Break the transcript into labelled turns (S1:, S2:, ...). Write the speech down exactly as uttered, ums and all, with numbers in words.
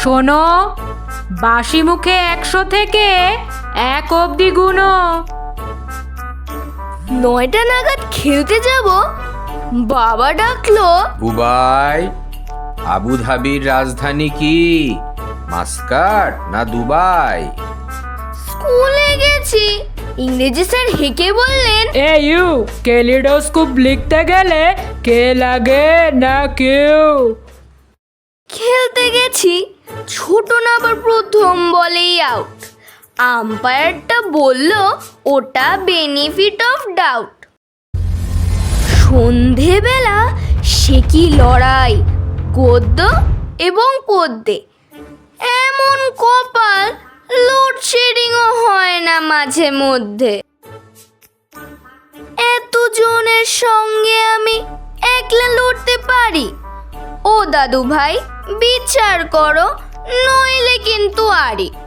S1: শোনো, বাসি মুখে একশো থেকে এক অবধি গুনো।
S2: নয়টা নাগাদ খেলতে যাব, বাবা ডাকলো।
S3: বুবাই, আবুধাবির রাজধানী কি? মাস্কাট না দুবাই?
S2: স্কুলে গেছি, ইংরেজি স্যার হেঁকে বললেন,
S1: এ ইউ, ক্যালিডোস্কোপ লিখতে গেলে কে লাগে না কেউ।
S2: খেলতে গেছি, ছোট না আবার প্রথম বলেই আউট। আম্পায়ারটা বলল ওটা বেনিফিট অফ ডাউট। সন্ধেবেলা সে কি লড়াই, গদ্য এবং পদ্যে। এমন কপাল, লোডশেডিংও হয় না মাঝে মধ্যে। এতজনের সঙ্গে আমি একলা লড়তে পারি? ও দাদু ভাই, বিচার করো, নইলে কিন্তু আরি।